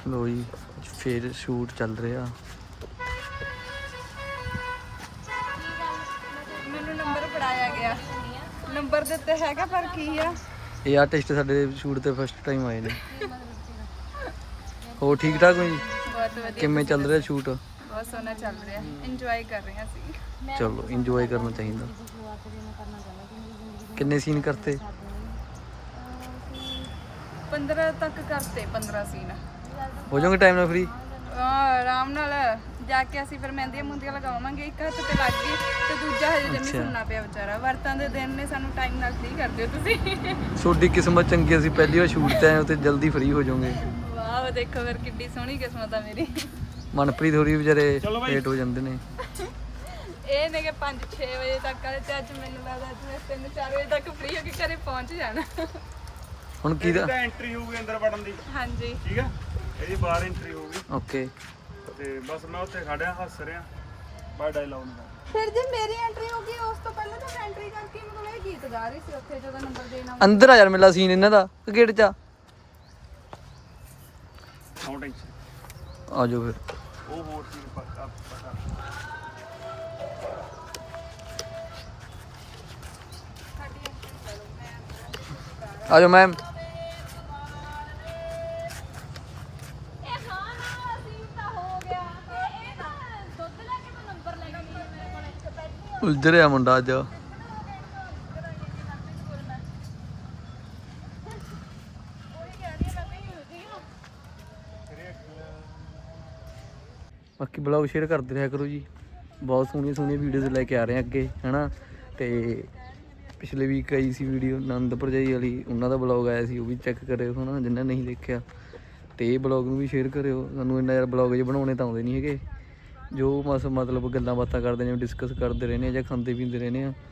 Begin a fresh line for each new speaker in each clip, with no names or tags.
ਲੋ ਜੀ ਫਿਰ ਸ਼ੂਟ ਚੱਲ ਰਿਹਾ।
ਮੈਨੂੰ ਨੰਬਰ ਫੜਾਇਆ ਗਿਆ, ਨੰਬਰ ਦੇ ਉੱਤੇ ਹੈਗਾ ਪਰ ਕੀ ਆ,
ਇਹ ਆਰਟਿਸਟ ਸਾਡੇ ਸ਼ੂਟ ਤੇ ਫਸਟ ਟਾਈਮ ਆਏ ਨੇ। ਹੋਰ ਠੀਕ ਠਾਕ ਹੋ ਜੀ?
ਬਹੁਤ ਵਧੀਆ।
ਕਿਵੇਂ ਚੱਲ ਰਿਹਾ ਸ਼ੂਟ?
ਬਹੁਤ ਸੋਹਣਾ ਚੱਲ ਰਿਹਾ, ਇੰਜੋਏ ਕਰ ਰਹੇ ਹਾਂ ਅਸੀਂ।
ਚਲੋ ਇੰਜੋਏ ਕਰਨਾ ਚਾਹੀਦਾ। ਕਿੰਨੇ ਸੀਨ ਕਰਤੇ?
15 ਤੱਕ ਕਰਤੇ, 15 ਸੀਨ।
ਹੋ ਜਾਓਗੇ ਟਾਈਮ ਨਾਲ ਫ੍ਰੀ?
ਆਰਾਮ ਨਾਲ ਜਾ ਕੇ ਅਸੀਂ ਫਿਰ ਮਹਿੰਦੀਆਂ ਮੁੰਦੀਆਂ ਲਗਾਵਾਂਗੇ। ਇੱਕ ਹੱਥ ਤੇ ਲੱਗ ਗਈ ਤੇ ਦੂਜਾ ਹਜੇ ਜਮੀ ਸੁਣਨਾ ਪਿਆ ਵਿਚਾਰਾ। ਵਰਤਾਂ ਦੇ ਦਿਨ ਨੇ, ਸਾਨੂੰ ਟਾਈਮ ਨਾਲ ਫ੍ਰੀ ਕਰ ਦਿਓ ਤੁਸੀਂ।
ਤੁਹਾਡੀ ਕਿਸਮਤ ਚੰਗੀ, ਅਸੀਂ ਪਹਿਲੀ ਵਾਰ ਸ਼ੂਟ ਤੇ ਆਏ ਹਾਂ ਤੇ ਜਲਦੀ ਫ੍ਰੀ ਹੋ ਜਾਓਗੇ।
ਵਾਹ ਦੇਖੋ ਫਿਰ ਕਿੱਡੀ ਸੋਹਣੀ ਕਿਸਮਤ ਆ ਮੇਰੀ।
ਮਨਪ੍ਰੀਤ ਹੋਰੀ ਵਿਚਾਰੇ ਲੇਟ ਹੋ ਜਾਂਦੇ ਨੇ।
ਇਹ ਨੇ ਕਿ 5-6 ਵਜੇ ਤੱਕ ਆਲੇ ਤੇ ਅੱਜ ਮੈਨੂੰ ਲੱਗਦਾ ਅੱਜ ਮੈਂ 3-4 ਵਜੇ ਤੱਕ ਫ੍ਰੀ ਹੋ ਕੇ ਘਰੇ ਪਹੁੰਚ ਜਾਣਾ।
ਹੁਣ ਕੀ ਦਾ
ਐਂਟਰੀ ਹੋਊਗੀ ਅੰਦਰ ਵੜਨ ਦੀ?
ਹਾਂਜੀ
ਠੀਕ ਆ, ਇਹਦੀ ਬਾਹਰ ਐਂਟਰੀ ਹੋਊਗੀ
ਓਕੇ।
ਤੇ ਬਸ ਮੈਂ ਉੱਥੇ ਖੜਿਆ ਹੱਸ ਰਿਹਾ, ਬਾਹਰ ਡਾਇਲੌਗ ਨਹੀਂ।
ਫਿਰ ਜੇ ਮੇਰੀ ਐਂਟਰੀ ਹੋ ਗਈ ਉਸ ਤੋਂ ਪਹਿਲਾਂ ਤਾਂ ਐਂਟਰੀ ਕਰਕੇ ਮਤਲਬ ਇਹ ਗੀਤ ਗਾ ਰਹੀ ਸੀ ਉੱਥੇ ਜਦੋਂ ਨੰਬਰ ਦੇਣਾ।
ਅੰਦਰ ਆ ਯਾਰ, ਮੇਲਾ ਸੀਨ ਇਹਨਾਂ ਦਾ ਗੇਟ 'ਚ
ਨੋ ਟੈਂਸ਼ਨ,
ਆ ਜਾਓ ਫਿਰ।
ਉਹ ਹੋਰ ਚੀਜ਼ ਪੱਕਾ
ਆ ਜਾਓ ਮੈਮ। ਉਲਝ ਰਿਹਾ ਮੁੰਡਾ ਅੱਜ। ਬਾਕੀ ਬਲੌਗ ਸ਼ੇਅਰ ਕਰਦੇ ਰਿਹਾ ਕਰੋ ਜੀ। ਬਹੁਤ ਸੋਹਣੀਆਂ ਸੋਹਣੀਆਂ ਵੀਡੀਓਜ਼ ਲੈ ਕੇ ਆ ਰਹੇ ਹਾਂ ਅੱਗੇ, ਹੈਨਾ। ਤੇ ਪਿਛਲੇ ਵੀਕ ਆਈ ਸੀ ਵੀਡੀਓ ਆਨੰਦ ਭਰਜਾਈ ਵਾਲੀ, ਉਹਨਾਂ ਦਾ ਬਲੌਗ ਆਇਆ ਸੀ, ਉਹ ਵੀ ਚੈੱਕ ਕਰਿਓ ਹੈ ਨਾ ਜਿਨ੍ਹਾਂ ਨਹੀਂ ਦੇਖਿਆ। ਤੇ ਇਹ ਬਲੌਗ ਨੂੰ ਵੀ ਸ਼ੇਅਰ ਕਰਿਓ। ਸਾਨੂੰ ਇੰਨਾ ਯਾਰ ਬਲੌਗ ਜੇ ਬਣਾਉਣੇ ਤਾਂ ਆਉਂਦੇ ਨਹੀਂ ਹੈਗੇ। ਜੋ ਮਤਲਬ ਗੱਲਾਂ ਬਾਤਾਂ ਕਰਦੇ ਨੇ, ਡਿਸਕਸ ਕਰਦੇ ਰਹਿੰਦੇ ਹਾਂ ਜਾਂ ਖਾਂਦੇ ਪੀਂਦੇ ਰਹਿੰਦੇ ਹਾਂ।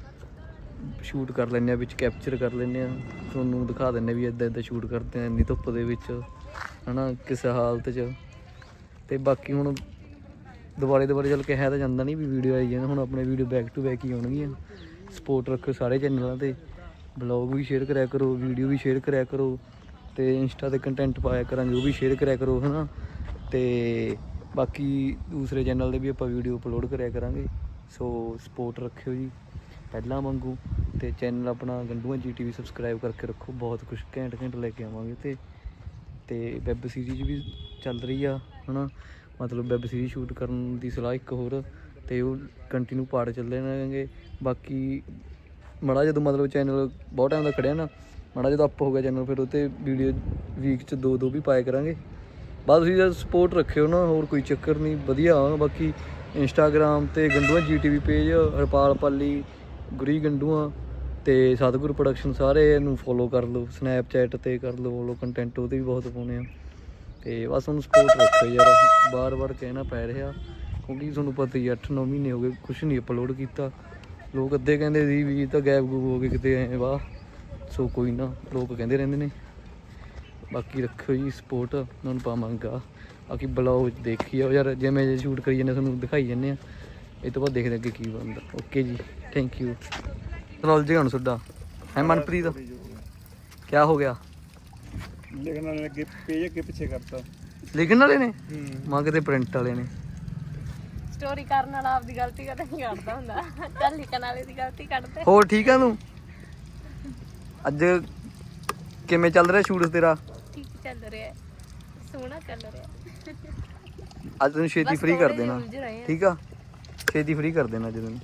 ਸ਼ੂਟ ਕਰ ਲੈਂਦੇ ਹਾਂ, ਵਿੱਚ ਕੈਪਚਰ ਕਰ ਲੈਂਦੇ ਹਾਂ, ਤੁਹਾਨੂੰ ਦਿਖਾ ਦਿੰਦੇ ਵੀ ਇੱਦਾਂ ਇੱਦਾਂ ਸ਼ੂਟ ਕਰਦੇ ਹਾਂ ਇੰਨੀ ਧੁੱਪ ਦੇ ਵਿੱਚ, ਹੈ ਨਾ, ਕਿਸੇ ਹਾਲਤ 'ਚ। ਤੇ ਬਾਕੀ ਹੁਣ ਦੁਬਾਰੇ ਚੱਲ ਕੇ ਹੈ ਤਾਂ ਜਾਂਦਾ ਨਹੀਂ ਵੀ ਵੀਡੀਓ ਆਈ ਜਾਂਦੇ, ਹੁਣ ਆਪਣੇ ਵੀਡੀਓ ਬੈਕ ਟੂ ਬੈਕ ਹੀ ਆਉਣਗੀਆਂ। ਸਪੋਰਟ ਰੱਖੋ ਸਾਰੇ ਚੈਨਲਾਂ 'ਤੇ, ਬਲੌਗ ਵੀ ਸ਼ੇਅਰ ਕਰਿਆ ਕਰੋ, ਵੀਡੀਓ ਵੀ ਸ਼ੇਅਰ ਕਰਿਆ ਕਰੋ, ਅਤੇ ਇੰਸਟਾ 'ਤੇ ਕੰਟੈਂਟ ਪਾਇਆ ਕਰਾਂਗੇ ਉਹ ਵੀ ਸ਼ੇਅਰ ਕਰਿਆ ਕਰੋ, ਹੈ ਨਾ। ਅਤੇ ਬਾਕੀ ਦੂਸਰੇ ਚੈਨਲ 'ਤੇ ਵੀ ਆਪਾਂ ਵੀਡੀਓ ਅਪਲੋਡ ਕਰਿਆ ਕਰਾਂਗੇ। ਸੋ ਸਪੋਰਟ ਰੱਖਿਓ ਜੀ ਪਹਿਲਾਂ ਵਾਂਗੂ। ਅਤੇ ਚੈਨਲ ਆਪਣਾ ਗੰਡੂਆਂ GTV ਸਬਸਕ੍ਰਾਈਬ ਕਰਕੇ ਰੱਖੋ, ਬਹੁਤ ਕੁਛ ਘੈਂਟ ਲੈ ਕੇ ਆਵਾਂਗੇ। ਅਤੇ ਵੈੱਬ ਸੀਰੀਜ਼ ਵੀ ਚੱਲ ਰਹੀ ਆ, ਹੈ ਨਾ। ਮਤਲਬ ਵੈੱਬ ਸੀਰੀਜ਼ ਸ਼ੂਟ ਕਰਨ ਦੀ ਸਲਾਹ ਇੱਕ ਹੋਰ, ਅਤੇ ਉਹ ਕੰਟੀਨਿਊ ਪਾਰਟ ਚੱਲਦੇ ਰਹਿਣਗੇ। ਬਾਕੀ ਮਾੜਾ ਜਦੋਂ ਮਤਲਬ ਚੈਨਲ ਬਹੁਤ ਟਾਈਮ ਦਾ ਖੜਿਆ ਨਾ, ਮਾੜਾ ਜਦੋਂ ਅੱਪ ਹੋ ਗਿਆ ਚੈਨਲ, ਫਿਰ ਉਹ 'ਤੇ ਵੀਡੀਓ ਵੀਕ 'ਚ 2 ਵੀ ਪਾਇਆ ਕਰਾਂਗੇ। ਬਸ ਤੁਸੀਂ ਜਦ ਸਪੋਰਟ ਰੱਖਿਓ ਨਾ, ਹੋਰ ਕੋਈ ਚੱਕਰ ਨਹੀਂ, ਵਧੀਆ। ਬਾਕੀ ਇੰਸਟਾਗ੍ਰਾਮ 'ਤੇ ਗੰਡੂਆਂ GTV ਪੇਜ, ਹਰਪਾਲ ਪਾਲੀ, ਗੁਰੀ ਗੰਡੂਆਂ ਅਤੇ ਸਤਿਗੁਰ ਪ੍ਰੋਡਕਸ਼ਨ, ਸਾਰੇ ਇਹਨੂੰ ਫੋਲੋ ਕਰ ਲਓ। ਸਨੈਪਚੈਟ 'ਤੇ ਕਰ ਲਓ ਫੋਲੋ, ਕੰਟੈਂਟ ਉਹਦੇ ਵੀ ਬਹੁਤ ਪਾਉਂਦੇ ਆ। ਅਤੇ ਬਸ ਉਹਨੂੰ ਸਪੋਰਟ ਰੱਖੋ ਯਾਰ, ਵਾਰ ਕਹਿਣਾ ਪੈ ਰਿਹਾ ਕਿਉਂਕਿ ਤੁਹਾਨੂੰ ਪਤਾ ਹੀ 8-9 ਮਹੀਨੇ ਹੋ ਗਏ ਕੁਛ ਨਹੀਂ ਅਪਲੋਡ ਕੀਤਾ। ਲੋਕ ਅੱਧੇ ਕਹਿੰਦੇ ਸੀ ਵੀ ਤਾਂ ਗੈਪ ਗੂਪ ਹੋ ਗਏ ਕਿਤੇ ਐਂ ਵਾਹ। ਸੋ ਕੋਈ ਨਾ, ਲੋਕ ਕਹਿੰਦੇ ਰਹਿੰਦੇ ਨੇ। ਬਾਕੀ ਰੱਖਿਓ ਜੀ ਸਪੋਰਟ, ਤੁਹਾਨੂੰ ਪਾਵਾਂਗਾ। ਬਾਕੀ ਬਲੌਗ ਦੇਖੀ ਆ ਯਾਰ, ਜਿਵੇਂ ਜੇ ਸ਼ੂਟ ਕਰੀ ਜਾਂਦੇ ਤੁਹਾਨੂੰ ਦਿਖਾਈ ਜਾਂਦੇ ਆ। ਇਹ ਤੋਂ ਬਾਅਦ ਦੇਖਦੇ ਅੱਗੇ ਕੀ ਬਣਦਾ। ਓਕੇ ਜੀ, ਥੈਂਕ ਯੂ। ਚਲੋ ਜੀ ਹੁਣ ਤੁਹਾਡਾ ਹੈ ਮਨਪ੍ਰੀਤ, ਕਿਆ ਹੋ ਗਿਆ?
ਲਿਖਣ ਵਾਲੇ ਅੱਗੇ ਪੇਜ ਅੱਗੇ ਪਿੱਛੇ ਕਰਤਾ।
ਲਿਖਣ ਵਾਲੇ ਨੇ ਮਾਂ ਕਿਤੇ ਪ੍ਰਿੰਟ ਵਾਲੇ ਨੇ।
ਸਟੋਰੀ ਕਰਨ ਵਾਲਾ ਆਪਦੀ ਗਲਤੀ ਕਦੇ ਨਹੀਂ ਕੱਢਦਾ ਹੁੰਦਾ, ਚੱਲ ਲਿਖਣ ਵਾਲੇ ਦੀ ਗਲਤੀ ਕੱਢਦੇ।
ਹੋਰ ਠੀਕ ਆ ਤੂੰ? ਅੱਜ ਕਿਵੇਂ ਚੱਲ ਰਿਹਾ ਸ਼ੂਟ ਤੇਰਾ?
ਠੀਕ ਚੱਲ ਰਿਹਾ, ਸੋਹਣਾ ਚੱਲ ਰਿਹਾ।
ਅੱਜ ਤੈਨੂੰ ਛੇਤੀ ਫ੍ਰੀ ਕਰ ਦੇਣਾ, ਠੀਕ ਆ? ਛੇਤੀ ਫ੍ਰੀ ਕਰ ਦੇਣਾ ਅੱਜ ਤੈਨੂੰ।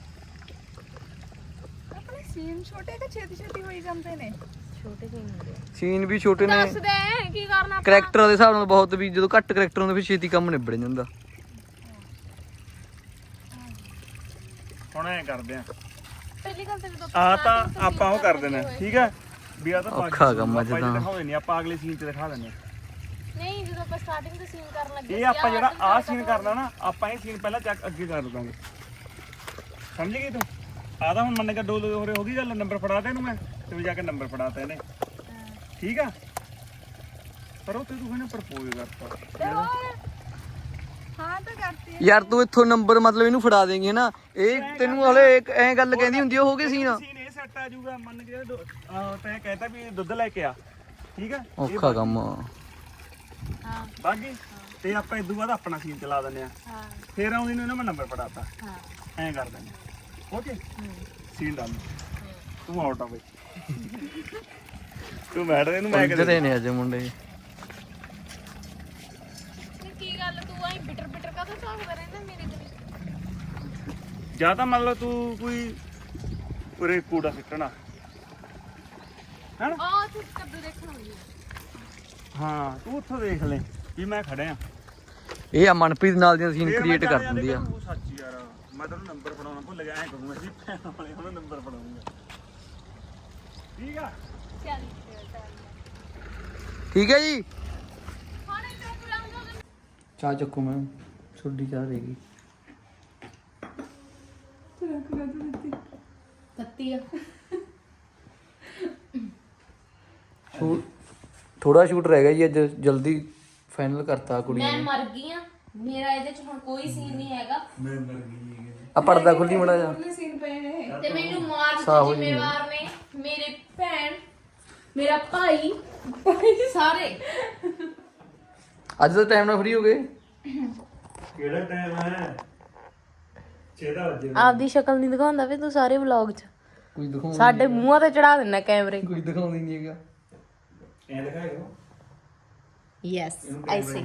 ਆਪਣੇ ਸੀਨ ਛੋਟੇ ਕਿ ਛੇਤੀ ਹੋਈ ਜਾਂਦੇ ਨੇ? ਛੋਟੇ ਸੀਨ ਹੁੰਦੇ ਆ।
ਸੀਨ ਵੀ ਛੋਟੇ ਨੇ।
ਦੱਸ ਦੇ ਕੀ ਕਰਨਾ।
ਕਰੈਕਟਰ ਦੇ ਹਿਸਾਬ ਨਾਲ ਬਹੁਤ, ਵੀ ਜਦੋਂ ਘੱਟ ਕਰੈਕਟਰ ਹੁੰਦੇ ਫਿਰ ਛੇਤੀ ਕੰਮ ਨਿਬੜ ਜਾਂਦਾ।
ਹੁਣ ਐਂ ਕਰਦੇ ਆ,
ਪਹਿਲੀ ਗੱਲ ਤਾਂ ਜਦੋਂ
ਆਹ ਤਾਂ ਆਪਾਂ ਉਹ ਕਰ ਦੇਣਾ, ਠੀਕ ਹੈ ਵੀ ਆ ਤਾਂ
ਔਖਾ ਕੰਮ ਆ ਜਿੱਦਾਂ।
ਦਿਖਾਉਂਦੇ ਨਹੀਂ, ਆਪਾਂ ਅਗਲੇ ਸੀਨ 'ਚ ਦਿਖਾ ਦਿੰਦੇ ਆ।
ਨਹੀਂ ਜਦੋਂ ਆਪਾਂ ਸਟਾਰਟਿੰਗ ਤੋਂ ਸੀਨ ਕਰਨ ਲੱਗੇ
ਇਹ ਆਪਾਂ ਜਿਹੜਾ ਆਹ ਸੀਨ ਕਰਨਾ ਨਾ, ਆਪਾਂ ਇਹ ਸੀਨ ਪਹਿਲਾਂ ਚੱਕ ਅੱਗੇ ਕਰ ਲਵਾਂਗੇ। ਸਮਝ ਗਈ ਤੂੰ? ਆਹ ਤਾਂ ਹੁਣ ਮੰਨ ਕੇ ਡੋਲ ਹੋਰੇ ਹੋ ਗਈ ਗੱਲ, ਨੰਬਰ ਫੜਾਤਾ ਇਹਨੂੰ ਮੈਂ, ਤੇ ਵੀ ਜਾ ਕੇ ਨੰਬਰ ਫੜਾਤਾ ਇਹਨੇ, ਠੀਕ ਆ? ਪਰ ਉਹ ਤੇ ਤੂੰ ਕਹਿੰਦਾ ਪ੍ਰਪੋਜ਼ ਕਰਤਾ।
ਹਾਂ ਤਾਂ ਕਰਤੀ
ਯਾਰ ਤੂੰ ਇੱਥੋਂ ਨੰਬਰ ਮਤਲਬ ਇਹਨੂੰ ਫੜਾ ਦੇਂਗੀ ਨਾ, ਇਹ ਤੈਨੂੰ ਹਲੇ ਐਂ ਗੱਲ ਕਹਿੰਦੀ ਹੁੰਦੀ ਹੋ ਗਈ ਸੀਨ।
ਸੀਨ ਇਹ ਸੈੱਟ ਆ ਜਾਊਗਾ, ਮੰਨ ਕੇ ਤੈਂ ਕਹਿਤਾ ਵੀ ਦੁੱਧ ਲੈ ਕੇ ਆ, ਠੀਕ ਆ?
ਔਖਾ ਕੰਮ।
ਹਾਂ
ਬਾਕੀ ਤੇ ਆਪਾਂ ਇਦੋਂ ਬਾਅਦ ਆਪਣਾ ਸੀਨ ਚਲਾ ਦਿੰਦੇ ਆ
ਹਾਂ
ਫੇਰ ਆਉਂਦੀ ਨੂੰ ਇਹਨਾਂ ਮੈਂ ਨੰਬਰ ਫੜਾਤਾ
ਹਾਂ
ਐਂ ਕਰ ਦਿੰਦੇ ਓਕੇ ਸੀਨ ਡਨ ਤੂੰ ਆਊਟ ਆ ਬਈ ਤੂੰ ਬੈਠ ਦੇ ਇਹਨੂੰ ਮੈਂ
ਇੱਧਰ ਨੇ ਅੱਜ ਮੁੰਡੇ
ਕੀ ਗੱਲ ਤੂੰ ਆਈ ਬਿਟਰ ਬਿਟਰ ਕਦੋਂ ਝਾਕਦਾ ਰਹਿੰਦਾ ਮੇਰੇ ਤੇ
ਜਾਂ ਤਾਂ ਮੰਨ ਲਓ ਤੂੰ ਕੋਈ ਉਰੇ ਕੂੜਾ ਸਿੱਟਣਾ ਹੈਨਾ
ਆ ਤੂੰ ਕੱਦੂ ਦੇਖਣ ਆਉਂਦੀ
ਹਾਂ ਤੂੰ ਉੱਥੋਂ ਦੇਖ ਲੈ ਵੀ ਮੈਂ ਖੜਿਆ
ਇਹ ਆ ਮਨਪ੍ਰੀਤ ਨਾਲ ਦੀਆਂ ਸੀਨ ਕ੍ਰੀਏਟ ਕਰ ਦਿੰਦੀ ਆ
ਉਹ ਸੱਚ ਯਾਰ ਮੈਂ ਤੈਨੂੰ ਨੰਬਰ ਫੜਾਉਣਾ ਭੁੱਲ ਗਿਆ ਐ ਕਰੂੰਗਾ ਜੀ ਭੈਣ ਵਾਲੇ ਉਹਨੂੰ ਨੰਬਰ ਫੜਾਉਂਗਾ ਠੀਕ ਆ
ਚੱਲ
ਠੀਕ ਹੈ ਜੀ
ਹੁਣ ਇੱਥੇ ਬੁਲਾਉਂਗਾ
ਚਾਹ ਚੱਕੂ ਮੈਂ ਛੋਡੀ ਚਾਹ ਦੇਗੀ
ਤੱਤੀ ਆ
ਥੋੜਾ ਸ਼ੂਟ ਰਹਿ ਗਿਆ ਜੀ ਅੱਜ ਜਲਦੀ ਫਾਈਨਲ ਕਰਤਾ ਕੁੜੀ
ਮੈਂ
ਨੇ
ਮਰ ਗਈ ਆ ਮੇਰਾ ਇਹਦੇ ਚ ਹੁਣ ਕੋਈ ਸੀਨ ਨਹੀਂ ਹੈਗਾ
ਆ ਪਰਦਾ ਖੁੱਲੀ ਮੜਾ ਜਾ
ਸੀਨ ਪਏ ਨੇ
ਤੇ ਮੈਨੂੰ ਮਾਰਨ
ਸਾਹ ਹੋ
ਦੇ
ਜੀ।
ਜ਼ਿੰਮੇਵਾਰ ਨੇ ਮੇਰੇ ਭੈਣ ਮੇਰਾ ਭਾਈ ਸਾਰੇ
ਅੱਜ ਦਾ ਟਾਈਮ ਨਾਲ ਫ੍ਰੀ ਹੋ ਗਏ
ਕਿਹੜਾ ਟਾਈਮ ਹੈ 6 ਵਜੇ
ਆਪਦੀ ਸ਼ਕਲ ਨਹੀਂ ਦਿਖਾਉਂਦਾ ਵੇ ਤੂੰ ਸਾਰੇ ਵਲੌਗ 'ਚ
ਕੋਈ ਦਿਖਾਉਂਦਾ
ਸਾਡੇ ਮੂੰਹਾਂ ਤੇ ਚੜਾ ਦਿੰਦਾ ਕੈਮਰੇ
ਕੋਈ ਦਿਖਾਉਂਦਾ ਹੀ ਨਹੀਂ ਹੈਗਾ
ਐਂ ਦਿਖਾਇਓ
ਯੈਸ ਆਈ ਸੀ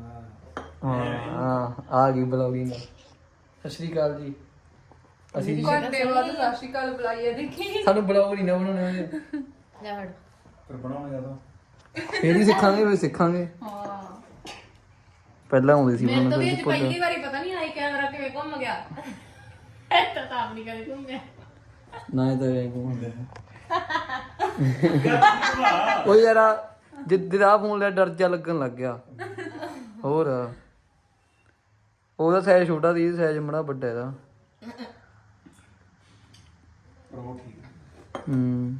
ਹਾਂ ਆ ਗਈ ਬਲੌਗਿੰਗ ਸਤਿ ਸ਼੍ਰੀ ਅਕਾਲ ਜੀ ਅਸੀਂ
ਘੰਟੇ ਬਾਅਦ ਸਤਿ ਸ਼੍ਰੀ ਅਕਾਲ ਬੁਲਾਈਏ ਦੇਖੀ
ਸਾਨੂੰ ਬਲੌਗ ਨਹੀਂ ਨਾ ਬਣਾਉਣੇ ਆਉਂਦੇ
ਲੈ ਫੜ
ਫਿਰ ਬਣਾਉਣਾ ਜਦੋਂ
ਫੇਰ ਹੀ ਸਿੱਖਾਂਗੇ ਫਿਰ ਸਿੱਖਾਂਗੇ
ਹਾਂ
ਪਹਿਲਾਂ ਆਉਂਦੇ ਸੀ
ਮੇਰੇ ਤੋਂ
ਬਣਾਉਣੇ
ਵੀ ਅੱਜ ਪਹਿਲੀ ਵਾਰੀ ਪਤਾ ਨਹੀਂ ਆਈ ਕੈਮਰਾ ਕਿਵੇਂ ਘੁੰਮ ਗਿਆ ਤਾਂ ਆਪ ਨਹੀਂ ਕਦੇ ਘੁੰਮਿਆ
ਨਾ ਇਹ ਤਾਂ ਐਂ ਘੁੰਮਦੇ ਉਹ ਯਾਰ ਜਿੱਦਾਂ ਫੋਨ ਲਿਆ ਡਰ ਜਾ ਲੱਗਣ ਲੱਗ ਗਿਆ ਹੋਰ ਉਹਦਾ ਸਾਈਜ਼ ਛੋਟਾ ਸੀ ਸਾਈਜ਼ ਬੜਾ ਵੱਡਾ ਇਹਦਾ
ਪ੍ਰੋ ਠੀਕ
ਹੂੰ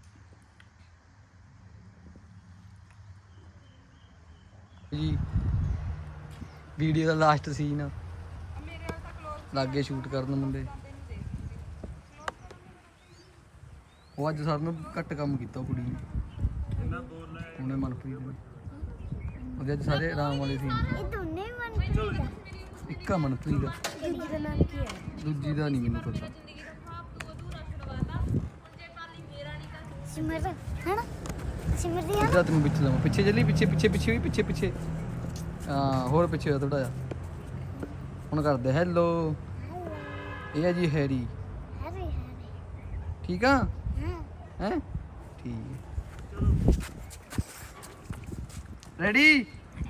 ਜੀ ਵੀਡੀਓ ਦਾ ਲਾਸਟ ਸੀਨ ਲਾਗੇ ਸ਼ੂਟ ਕਰਨ ਮੁੰਡੇ ਉਹ ਅੱਜ ਸਰ ਨੂੰ ਘੱਟ ਕੰਮ ਕੀਤਾ ਉਹ ਕੁੜੀ ਨੇ ਉਹਨੇ ਮਨਪ੍ਰੀਤ ਨੇ ਉਹਦੇ ਅੱਜ ਸਾਰੇ ਆਰਾਮ ਵਾਲੇ ਸੀ
ਇਹ ਦੋਨੇ ਮਨਪ੍ਰੀਤ ਆ
ਇੱਕ ਆ ਮਨਪ੍ਰੀਤ ਦਾ
ਦੂਜੀ ਦਾ ਨਾਮ ਕੀ ਹੈ
ਦੂਜੀ ਦਾ ਨਹੀਂ ਮੈਨੂੰ ਪਤਾ
ਸਿਮਰ ਹੈਨਾ ਸਿਮਰ ਦੀ
ਇਹਦਾ ਤੈਨੂੰ ਵਿੱਚ ਲਵਾਂ ਪਿੱਛੇ ਚੱਲੀ ਪਿੱਛੇ ਪਿੱਛੇ ਪਿੱਛੇ ਵੀ ਪਿੱਛੇ ਪਿੱਛੇ ਹਾਂ ਹੋਰ ਪਿੱਛੇ ਹੋ ਥੋੜਾ ਜਿਹਾ ਹੁਣ ਕਰਦੇ ਹੈਲੋ ਇਹ ਆ ਜੀ ਹੈਰੀ
ਹੈਰੀ
ਠੀਕ ਆ
ਹਾਂ
ਹੈ ਠੀਕ ਰੈਡੀ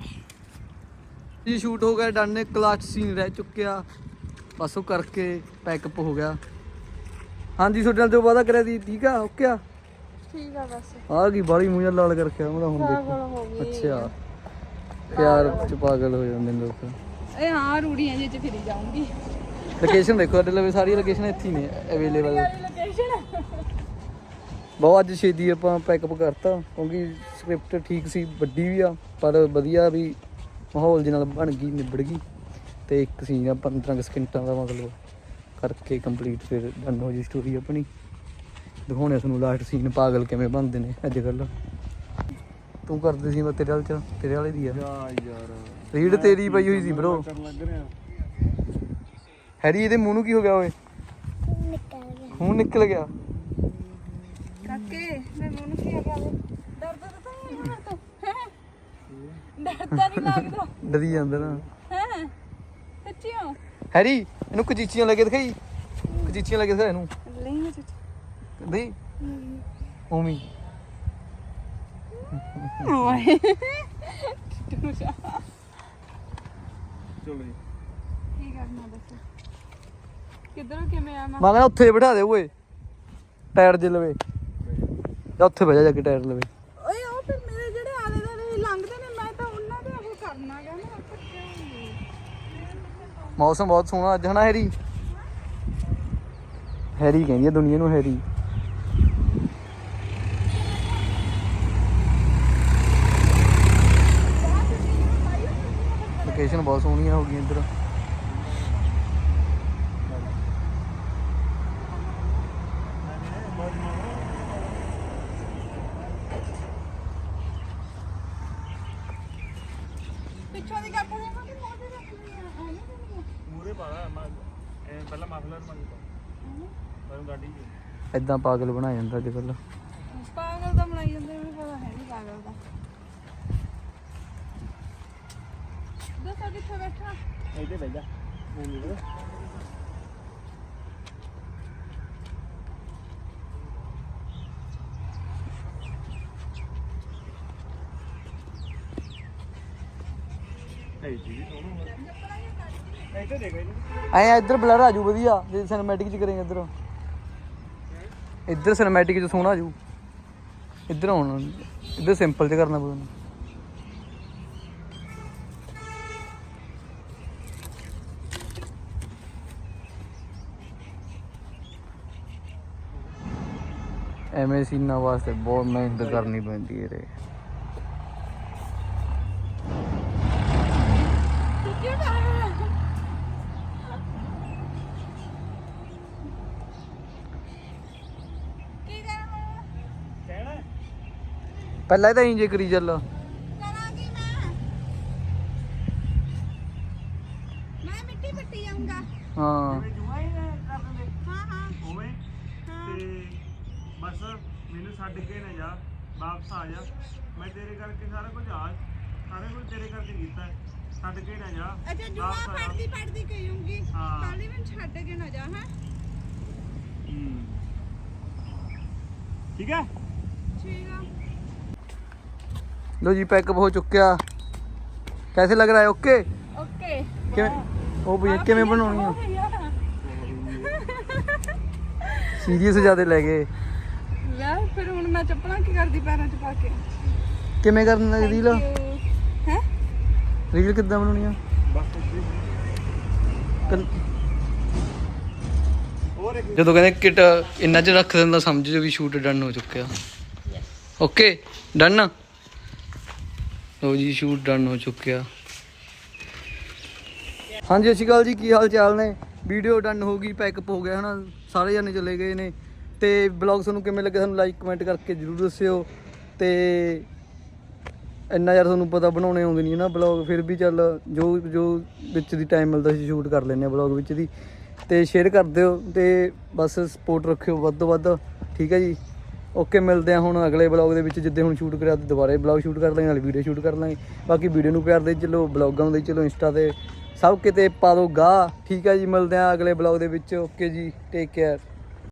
ਜੀ ਸ਼ੂਟ ਹੋ ਗਿਆ ਡਨ ਕਲਾਸ ਸੀਨ ਰਹਿ ਚੁੱਕਿਆ ਬਸ ਉਹ ਕਰਕੇ ਪੈਕਅਪ ਹੋ ਗਿਆ ਹਾਂਜੀ ਤੁਹਾਡੇ ਨਾਲ ਜੋ ਵਾਅਦਾ ਕਰਿਆ ਸੀ ਠੀਕ ਆ ਓਕੇ ਆ
ਠੀਕ ਆ ਬਸ
ਆ ਗਈ ਬਾਲੀ ਮੂੰਹ ਨਾਲ ਲਾਲ ਕਰਕੇ ਉਹਦਾ ਹੁਣ ਦੇਖੋ ਅੱਛਾ ਪਿਆਰ ਚ ਪਾਗਲ ਹੋ ਜਾਂਦੇ ਨੇ ਲੋਕ
ਇਹ ਹਾਂ ਰੂੜੀਆਂ ਜਿਹੇ ਚ ਫਿਰੀ ਜਾਊਂਗੀ
ਲੋਕੇਸ਼ਨ ਦੇਖੋ ਸਾਡੇ ਲਵੇ ਸਾਰੀ ਲੋਕੇਸ਼ਨ ਇੱਥੇ ਹੀ ਨੇ ਅਵੇਲੇਬਲ
ਲੋਕੇਸ਼ਨ
ਬਹੁਤ ਅੱਜ ਛੇਤੀ ਆਪਾਂ ਪੈਕਅਪ ਕਰਤਾ ਕਿਉਂਕਿ ਸਕ੍ਰਿਪਟ ਠੀਕ ਸੀ ਵੱਡੀ ਵੀ ਆ ਪਰ ਵਧੀਆ ਵੀ ਮਾਹੌਲ ਦੇ ਨਾਲ ਬਣ ਗਈ ਨਿਬੜ ਗਈ ਤੇ ਇੱਕ ਸੀਨ ਆ 15 ਸਕਿੰਟਾਂ ਦਾ ਮਤਲਬ ਕਰਕੇ ਕੰਪਲੀਟ ਫਿਰ ਡਨ ਹੋ ਜੀ ਸਟੋਰੀ ਆਪਣੀ ਦਿਖਾਉਣੇ ਤੁਹਾਨੂੰ ਲਾਸਟ ਸੀਨ ਪਾਗਲ ਕਿਵੇਂ ਬਣਦੇ ਨੇ ਅੱਜ ਕੱਲ ਤੂੰ ਕਰਦੇ ਸੀ ਮੈਂ ਤੇਰੇ ਵਾਲੇ ਦੀ ਆ
ਯਾਰ
ਰੀਡ ਤੇਰੀ ਪਈ ਹੋਈ ਸੀ ਬ్రో
ਕਰਨ ਲੱਗ ਰਿਹਾ
ਹੈਰੀ ਇਹਦੇ ਮੂੰਹ ਨੂੰ ਕੀ ਹੋ ਗਿਆ ਓਏ
ਨਿਕਲ ਗਿਆ
ਖੂਨ ਨਿਕਲ ਗਿਆ
ਕਾਕੇ ਮੈਂ ਮੂੰਹ ਕੀ ਆ ਗਿਆ ਡਰਦਾ ਤਾਂ ਨਹੀਂ ਹੈ ਤੂੰ ਡਰਦਾ ਨਹੀਂ ਲੱਗਦਾ
ਡਰੀ ਜਾਂਦਾ ਨਾ
ਹੈ ਸੱਚੀਓ
ਹੈਰੀ ਇਹਨੂੰ ਕਚੀਚੀਆਂ ਲੱਗੇ ਦਿਖਾਈ ਕਚੀਚੀਆਂ ਲੱਗੇ ਦਿਖਾ ਇਹਨੂੰ
ਨਹੀਂ
ਨਹੀਂ ਉਮੀ
ਓਏ
ਚਲੋ ਜੀ
ਕੀ ਕਰਨਾ ਦੱਸ ਕਿੱਧਰੋਂ ਕਿਵੇਂ ਆ ਮੈਂ
ਮੈਂ ਕਹਿੰਦਾ ਉੱਥੇ ਬਿਠਾ ਦੇ ਓਏ ਟਾਇਰ ਜੇ ਲਵੇ ਜਾਂ ਉੱਥੇ ਬਹਿ ਜਾ ਕੇ ਟਾਇਰ ਲਵੇ
ਓਏ ਉਹ ਫਿਰ ਮੇਰੇ ਜਿਹੜੇ ਆਲੇ ਦੁਆਲੇ ਲੰਘਦੇ ਨੇ ਮੈਂ ਤਾਂ ਉਹਨਾਂ ਦੇ ਉਹ ਕਰਨਾ ਗਾ ਨਾ
ਮੌਸਮ ਬਹੁਤ ਸੋਹਣਾ ਅੱਜ ਹਨਾ ਹੈਰੀ ਹੈਰੀ ਕਹਿੰਦੀ ਆ ਦੁਨੀਆ ਨੂੰ ਹੈਰੀ ਲੋਕੇਸ਼ਨ ਬਹੁਤ ਸੋਹਣੀਆਂ ਹੋ ਗਈਆਂ ਇੱਧਰ
ਪਿੱਛੋਂ ਦੀ ਕੱਟ ਦੇ ਕਿ ਮੋਢੇ ਰੱਖ ਲਈ
ਮੂਰੇ ਪਾਲਾ ਪਹਿਲਾਂ ਮਫਲਰ ਮੰਗ ਪਰ ਗਾਡੀ
ਇਦਾਂ ਪਾਗਲ ਬਣਾ ਜਾਂਦਾ ਅੱਜ ਕੱਲ੍ਹ।
ਪਾਗਲ ਦਾ ਬਣਾਈ ਜਾਂਦੇ ਮੈਨੂੰ ਪਤਾ ਹੈ ਨਹੀਂ ਪਾਗਲ ਦਾ। ਦੱਸੋ ਕਿੱਥੇ ਬੈਠਾ?
ਇੱਥੇ ਬਹਿ ਜਾ ਨਹੀਂ ਨਹੀਂ ਇੱਥੇ ਦੇਖ
ਐ ਇੱਧਰ ਬਲਰ ਆ ਜੂ ਵਧੀਆ ਜੇ ਸਿਨੇਮੈਟਿਕ ਚ ਕਰੇਂਗੇ ਇੱਧਰ। ਇੱਧਰ ਸਿਨੇਮੈਟਿਕ ਚ ਸੋਹਣਾ ਆ ਜੂ। ਇੱਧਰ ਹੁਣ ਇੱਧਰ ਸਿੰਪਲ ਚ ਕਰਨਾ ਪਊਗਾ। ਐਵੇਂ ਸੀਨਾਂ ਵਾਸਤੇ ਬਹੁਤ ਮਿਹਨਤ ਕਰਨੀ ਪੈਂਦੀ ਹੈ ਰੇ।
ਕੀ ਕਰਾਂ
ਕਹਿਣਾ
ਪਹਿਲਾਂ ਤਾਂ ਇੰਜ ਕਰੀ ਚੱਲ।
ਕਰਾਂਗੀ ਮੈਂ ਮਿੱਟੀ ਪੱਟੀ ਜਾਊਂਗਾ।
ਹਾਂ
ਜੂਆ ਹੀ ਕਰ ਦਿੰਦੇ
ਹਾਂ ਹਾਂ
ਉਵੇਂ ਤੇ ਬਸ ਮੈਨੂੰ ਛੱਡ ਕੇ ਨਾ ਜਾ, ਵਾਪਸ ਆ ਜਾ। ਮੈਂ ਤੇਰੇ ਕਰਕੇ ਸਾਰਾ ਕੁਝ ਤੇਰੇ ਕਰਕੇ ਕੀਤਾ। ਛੱਡ ਕੇ ਨਾ ਜਾ,
ਅੱਛਾ ਜੁਆ
ਵਾਪਸ ਆ ਜਾ।
ਪੜਦੀ ਕਹੂੰਗੀ
ਹਾਂ।
ਕੱਲ ਮੈਨੂੰ ਛੱਡ ਕੇ ਨਾ ਜਾ ਹਾਂ।
ਠੀਕ ਹੈ
ਠੀਕ ਆ।
लो जी पैकअप हो चुका। कैसे लग रहा है? ओके
ਓਕੇ
ओ भैया किवें बनाउणी है? सीरियस ज्यादा ले गए।
ਲੈ ਫਿਰ ਹੁਣ ਮੈਂ ਚੱਪਲਾਂ ਕੀ ਕਰਦੀ ਪੈਰਾਂ 'ਚ ਪਾ ਕੇ?
किवें करना रील?
ਹੈ
रील किद्दां बनाउणी है?
ਬਸ ਹੋਰ ਇੱਕ
ਜਦੋਂ ਕਹਿੰਦੇ ਕਿਟ ਇੰਨਾ ਚ ਰੱਖ ਦਿੰਦਾ ਸਮਝ ਜੋ ਵੀ ਸ਼ੂਟ ਡਨ ਹੋ ਚੁੱਕਿਆ। Okay done. ਲੋ ਜੀ ਸ਼ੂਟ ਡਨ ਹੋ ਚੁੱਕਿਆ। ਹਾਂਜੀ ਸਤਿ ਸ਼੍ਰੀ ਅਕਾਲ ਜੀ, ਕੀ ਹਾਲ ਚਾਲ ਨੇ? ਵੀਡੀਓ ਡਨ ਹੋ ਗਈ, ਪੈਕਅਪ ਹੋ ਗਿਆ ਹਨਾ, ਸਾਰੇ ਜਾਣੇ ਚਲੇ ਗਏ ਨੇ। ਤੇ ਬਲੌਗ ਤੁਹਾਨੂੰ ਕਿਵੇਂ ਲੱਗਿਆ ਸਾਨੂੰ ਲਾਈਕ ਕਮੈਂਟ ਕਰਕੇ ਜ਼ਰੂਰ ਦੱਸਿਓ। ਤੇ ਇੰਨਾ ਯਾਰ ਤੁਹਾਨੂੰ ਪਤਾ ਬਣਾਉਣੇ ਆਉਂਦੇ ਨਹੀਂ ਨਾ ਬਲੌਗ, ਫਿਰ ਵੀ ਚੱਲ ਜੋ ਵਿੱਚ ਦੀ ਟਾਈਮ ਮਿਲਦਾ ਸੀ ਸ਼ੂਟ ਕਰ ਲੈਂਦੇ ਆ ਬਲੌਗ ਵਿੱਚ ਦੀ। ਤੇ ਸ਼ੇਅਰ ਕਰ ਦਿਓ ਤੇ ਬਸ ਸਪੋਰਟ ਰੱਖਿਓ ਵੱਧ ਤੋਂ ਵੱਧ, ਠੀਕ ਹੈ ਜੀ। ਓਕੇ ਮਿਲਦੇ ਆ ਹੁਣ ਅਗਲੇ ਬਲੌਗ ਦੇ ਵਿੱਚ, ਜਿੱਦੇ ਹੁਣ ਸ਼ੂਟ ਕਰਿਆ ਤੇ ਦੁਬਾਰਾ ਬਲੌਗ ਸ਼ੂਟ ਕਰ ਲਾਂਗੇ, ਨਾਲ ਵੀਡੀਓ ਸ਼ੂਟ ਕਰ ਲਾਂਗੇ। ਬਾਕੀ ਵੀਡੀਓ ਨੂੰ ਪਿਆਰ ਦੇ ਚਲੋ, ਬਲੌਗਾਂ ਦੇ ਚਲੋ, ਇੰਸਟਾ ਤੇ ਸਭ ਕਿਤੇ ਪਾ ਦਿਓ ਗਾ, ਠੀਕ ਹੈ ਜੀ। ਮਿਲਦੇ ਆ ਅਗਲੇ ਬਲੌਗ ਦੇ ਵਿੱਚ। ਓਕੇ ਜੀ, ਟੇਕ ਕੇਅਰ।